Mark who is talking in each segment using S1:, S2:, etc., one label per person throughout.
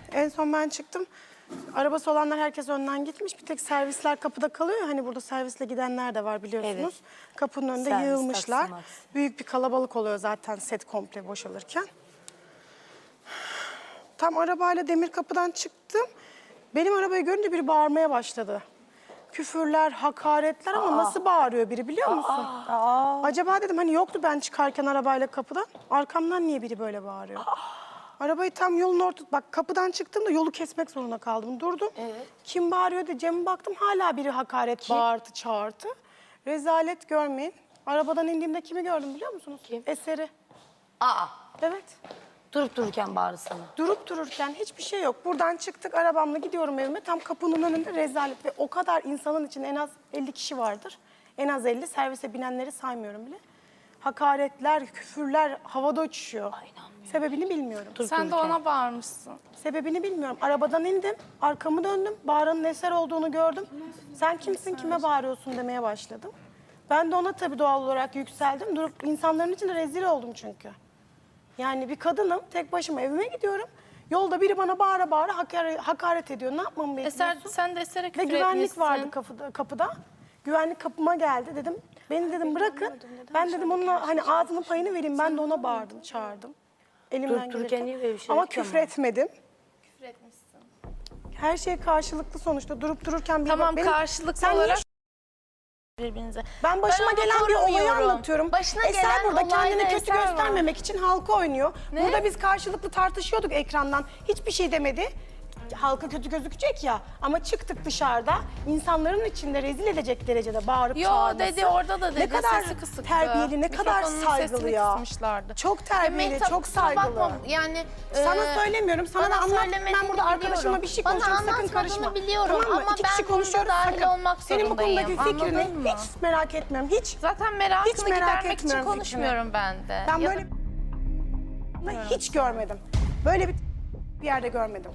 S1: En son ben çıktım. Arabası olanlar herkes önden gitmiş. Bir tek servisler kapıda kalıyor. Hani burada servisle gidenler de var biliyorsunuz.
S2: Evet.
S1: Kapının önünde
S2: Servis,
S1: yığılmışlar.
S2: taksi, maksi.
S1: Büyük bir kalabalık oluyor zaten set komple boşalırken. Tam arabayla demir kapıdan çıktım. Benim arabayı görünce biri bağırmaya başladı. Küfürler, hakaretler ama nasıl bağırıyor biri biliyor musun? Acaba dedim hani yoktu ben çıkarken arabayla kapıdan. Arkamdan niye biri böyle bağırıyor? Arabayı tam yolun ortası... Bak kapıdan çıktığımda yolu kesmek zorunda kaldım. Durdum.
S2: Evet.
S1: Kim bağırıyor diye Cem'e baktım. Hala biri hakaret, bağırtı, çağırtı. Rezalet görmeyin. Arabadan indiğimde kimi gördüm biliyor musunuz?
S2: Kim?
S1: Eser'i. Evet.
S2: Durup dururken bağırdı sana.
S1: Durup dururken hiçbir şey yok. Buradan çıktık arabamla gidiyorum evime. Tam kapının önünde rezalet ve o kadar insanın içinde en az 50 kişi vardır. En az 50 servise binenleri saymıyorum bile. Hakaretler, küfürler havada uçuşuyor. Sebebini bilmiyorum.
S3: Sen de ona bağırmışsın.
S1: Sebebini bilmiyorum. Arabadan indim, arkamı döndüm. Bağıranın Eser olduğunu gördüm. Sen kimsin, kime bağırıyorsun demeye başladım. Ben de ona tabii doğal olarak yükseldim. Durup insanların içinde rezil oldum çünkü. Yani bir kadınım, tek başıma evime gidiyorum. Yolda biri bana bağıra bağıra hakaret ediyor. Ne yapmamı bekliyorsun?
S3: Eser, sen de Eser'e
S1: Ve
S3: küfür
S1: güvenlik
S3: etmişsin.
S1: vardı kapıda. Güvenlik kapıma geldi dedim. Beni dedim bırakın. Ben dedim onunla hani ağzının payını vereyim. Ben de ona bağırdım, çağırdım. Elimden
S2: Durup dururken
S1: gelirken.
S2: niye böyle bir şey
S1: Ama
S2: yapıyor
S1: küfür
S2: ama?
S1: etmedim.
S3: Küfür etmişsin.
S1: Her şey karşılıklı sonuçta. Durup dururken bir
S3: Tamam,
S1: benim-
S3: karşılıklı
S1: Sen niye
S3: olarak birbirinize.
S1: Ben başıma
S3: onu
S1: gelen bir olayı
S3: korumuyorum.
S1: anlatıyorum.
S3: Başına
S1: Eser
S3: gelen
S1: burada kendini
S3: olayda
S1: kötü
S3: Eser var.
S1: göstermemek için halka oynuyor.
S3: Ne?
S1: Burada biz karşılıklı tartışıyorduk ekrandan. Hiçbir şey demedi. Halka kötü gözükecek ya. Ama çıktık dışarıda insanların içinde rezil edecek derecede bağırıp
S3: Yo
S1: çağırması.
S3: dedi, orada da dedi.
S1: Ne kadar
S3: sesi kısıktı.
S1: terbiyeli, ne kadar
S3: Mikrofonun
S1: saygılı
S3: sesini
S1: ya.
S3: kısmışlardı.
S1: Çok terbiyeli,
S3: Mehtap,
S1: çok
S3: kusura
S1: saygılı.
S3: bakma, yani
S1: Sana söylemiyorum, sana da
S3: bana
S1: anlat.
S3: söylemediğini
S1: Ben burada arkadaşımla
S3: biliyorum.
S1: bir şey
S3: Bana
S1: konuşuyorum, sakın
S3: anlatmadığını
S1: karışma.
S3: biliyorum
S1: Tamam mı?
S3: ama
S1: İki
S3: ben
S1: kişi
S3: bunda
S1: konuşuyoruz,
S3: dahil
S1: sakın.
S3: olmak
S1: Senin bu konudaki
S3: zorundayım,
S1: fikrini
S3: anladın mı?
S1: hiç merak etmiyorum, hiç.
S3: Zaten merakını
S1: Hiç merak
S3: gidermek için
S1: etmiyorum
S3: konuşmuyorum ben de.
S1: Ben
S3: Ya
S1: böyle hiç görmedim. Böyle bir yerde görmedim.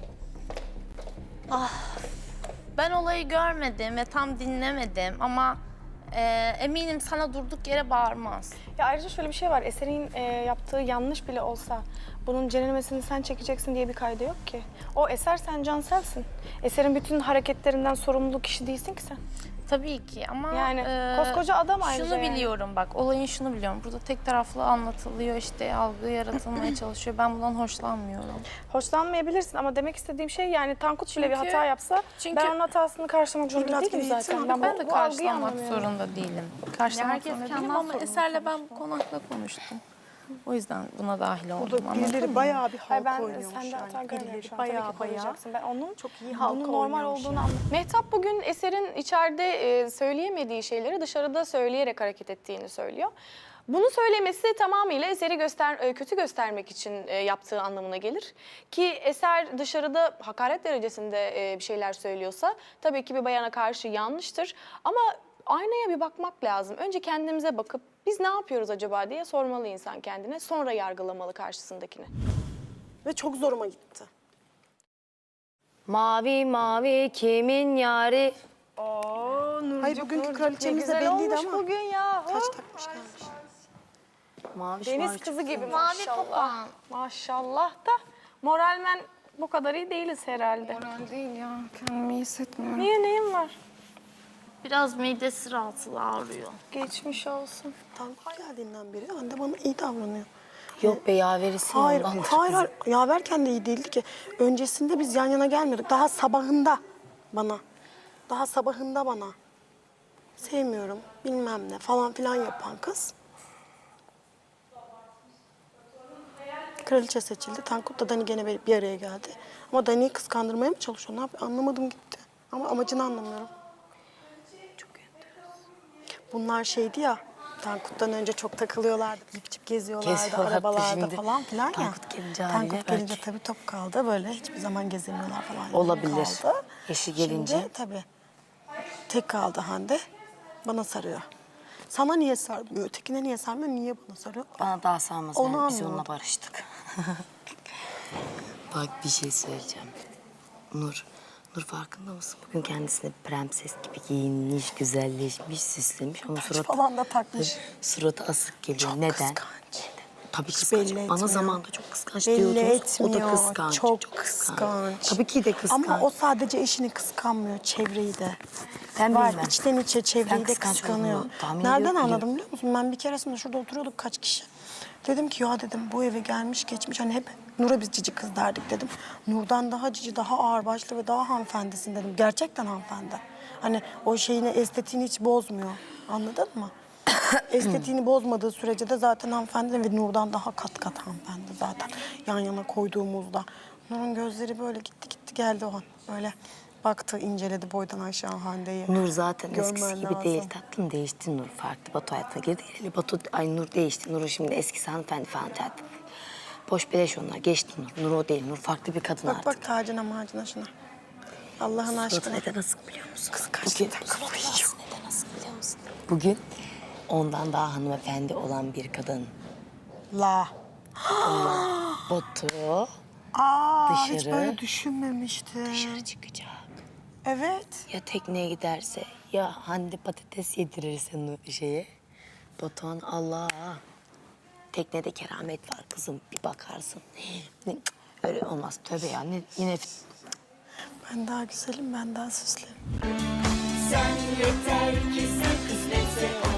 S3: ben olayı görmedim ve tam dinlemedim ama eminim sana durduk yere bağırmaz.
S4: Ya ayrıca şöyle bir şey var. Eser'in yaptığı yanlış bile olsa bunun cenemesini sen çekeceksin diye bir kaydı yok ki. O Eser, sen Cansel'sin. Eser'in bütün hareketlerinden sorumlu kişi değilsin ki sen.
S3: Tabii ki ama
S4: Yani koskoca adam ayrıca
S3: şunu
S4: yani.
S3: biliyorum bak, olayın şunu biliyorum. Burada tek taraflı anlatılıyor, işte algı yaratılmaya çalışıyor. Ben bundan hoşlanmıyorum.
S4: Hoşlanmayabilirsin ama demek istediğim şey yani Tankut bile bir
S3: Çünkü-
S4: hata yapsa
S3: çünkü-
S4: ben onun hatasını karşılamak zorunda
S1: biraz
S4: değilim
S1: eğitim
S4: zaten.
S1: aldım.
S3: Ben de
S4: bu algıyı
S3: karşılamak
S4: anlamıyorum.
S3: zorunda değilim. Karşılamak
S2: herkes
S3: zorunda
S2: kendinden
S3: değilim ama
S2: sorumlu
S3: Eser'le ben bu konakla konuştum. O yüzden buna dahil oldum.
S1: Burada
S3: anladın
S1: birileri
S3: mı?
S1: bayağı bir
S4: Hayır,
S1: halka
S4: ben
S1: oynuyormuş
S4: sende hata
S1: yani.
S4: görmüyorum
S1: Birileri
S4: şu an. Tabii ki
S1: bayağı
S4: koruyacaksın. Ben onun
S1: çok iyi halka
S4: bunun normal
S1: oynuyormuş
S4: olduğunu
S1: yani.
S4: anlıyorum. Mehtap bugün Eser'in içeride söyleyemediği şeyleri dışarıda söyleyerek hareket ettiğini söylüyor. Bunu söylemesi tamamıyla Eser'i kötü göstermek için yaptığı anlamına gelir. Ki Eser dışarıda hakaret derecesinde bir şeyler söylüyorsa tabii ki bir bayana karşı yanlıştır. Ama aynaya bir bakmak lazım. Önce kendimize bakıp biz ne yapıyoruz acaba diye sormalı insan kendine. Sonra yargılamalı karşısındakini.
S1: Ve çok zoruma gitti.
S2: Mavi mavi kimin yari?
S1: Hayır bugünkü kraliçemiz de
S4: güzel
S1: belliydi
S4: olmuş
S1: ama.
S4: bugün ya.
S1: Taç takmış gelmiş.
S2: Mavi
S4: Deniz kızı gibi
S3: Mavi
S4: maşallah.
S3: papağan.
S4: Maşallah da moralmen bu kadar iyi değiliz herhalde.
S3: Moral değil ya. Kendimi iyi hissetmiyorum.
S4: Niye, neyin var?
S3: Biraz midesi rahatsız, ağrıyor.
S4: Geçmiş olsun.
S1: Tankut geldiğinden beri anne bana iyi davranıyor.
S2: Yok be yaverisin
S1: Hayır,
S2: ondan.
S1: hayır. Yaverken de iyi değildi ki. Öncesinde biz yan yana gelmiyorduk. Daha sabahında bana. Daha sabahında bana. Sevmiyorum, bilmem ne falan filan yapan kız. Kraliçe seçildi. Tankut da Dani gene bir araya geldi. Ama Dani'yi kıskandırmaya mı çalışıyor? Ne yapıyor? Anlamadım gitti. Ama amacını anlamıyorum. Çok enteresan. Bunlar şeydi ya, Tankut'tan önce çok takılıyorlardı. Cip cip geziyorlardı,
S2: Geziyorlardı
S1: arabalarda
S2: şimdi.
S1: falan filan ya.
S2: Tankut gelince haliyle
S1: Tankut gelince
S2: belki.
S1: tabii top kaldı böyle. Hiçbir zaman gezemiyorlar falan. Yani
S2: Olabilir.
S1: kaldı.
S2: Eşi gelince.
S1: Şimdi tabii tek kaldı Hande. Bana sarıyor. Sana niye sarmıyor? Ötekine niye sarmıyor? Niye bana sarıyor?
S2: Bana daha sarmaz.
S1: Onu
S2: Biz
S1: anlamadım.
S2: onunla barıştık. Bak bir şey söyleyeceğim. Nur farkında mısın? Bugün kendisine bir prenses gibi giyinmiş, güzelleşmiş, süslemiş ama
S1: Taç falan da takmış.
S2: suratı asık geliyor.
S1: Çok
S2: Neden?
S1: kıskanç.
S2: Tabii
S1: Hiç
S2: kıskanç.
S1: belli
S2: Bana
S1: etmiyor.
S2: zamanında çok kıskanç
S1: Belli
S2: diyordunuz.
S1: etmiyor.
S2: O da kıskanç.
S1: Çok kıskanç.
S2: Tabii ki de kıskanç.
S1: Ama o sadece eşini kıskanmıyor, çevreyi de.
S2: Ben
S1: Var,
S2: bilmem.
S1: içten içe çevreyi
S2: Ben
S1: de
S2: kıskanç
S1: kıskanıyor.
S2: olduğunu tahmin
S1: Nereden
S2: ediyorum,
S1: anladım
S2: biliyorum.
S1: biliyor musun? Ben bir keresinde şurada oturuyorduk kaç kişi. Dedim ki ya dedim bu eve gelmiş geçmiş hani hep Nur'a biz cici kız derdik dedim. Nur'dan daha cici, daha ağırbaşlı ve daha hanımefendisin dedim. Gerçekten hanımefendi. Hani o şeyini, estetiğini hiç bozmuyor. Anladın mı? Estetiğini bozmadığı sürece de zaten hanımefendi ve Nur'dan daha kat kat hanımefendi zaten. Yan yana koyduğumuzda. Nur'un gözleri böyle gitti geldi o an. Böyle baktı, inceledi boydan aşağı Hande'yi.
S2: Nur zaten
S1: Görmen
S2: eskisi gibi
S1: lazım.
S2: değil tatlım. Değişti Nur. Farklı Batu hayatına girdi. Ay Nur değişti. Nur şimdi eskisi hanımefendi falan tatlım. Boş beleş onlar. Geçti Nur. Nur o değil. Nur farklı bir kadın
S1: Bak
S2: artık.
S1: bak tacına macına şuna. Allah'ın
S2: Suratı
S1: aşkına.
S2: neden asık biliyor musun?
S1: Kıskançlıktan
S2: Bugün-
S1: kafayı yiyor.
S2: Neden asık biliyor musun? Bugün ondan daha hanımefendi olan bir kadın.
S1: La.
S2: Batu
S1: Aa, hiç
S2: Dışarı.
S1: böyle düşünmemiştim.
S2: dışarı çıkacak.
S1: Evet.
S2: Ya tekneye giderse ya Hande patates yedirirse şeye. Batuhan Allah. Teknede keramet var kızım bir bakarsın. Öyle olmaz tövbe ya. Yine
S1: Ben daha güzelim, ben daha süslüyüm.
S5: Sen yeter ki sen kısmetse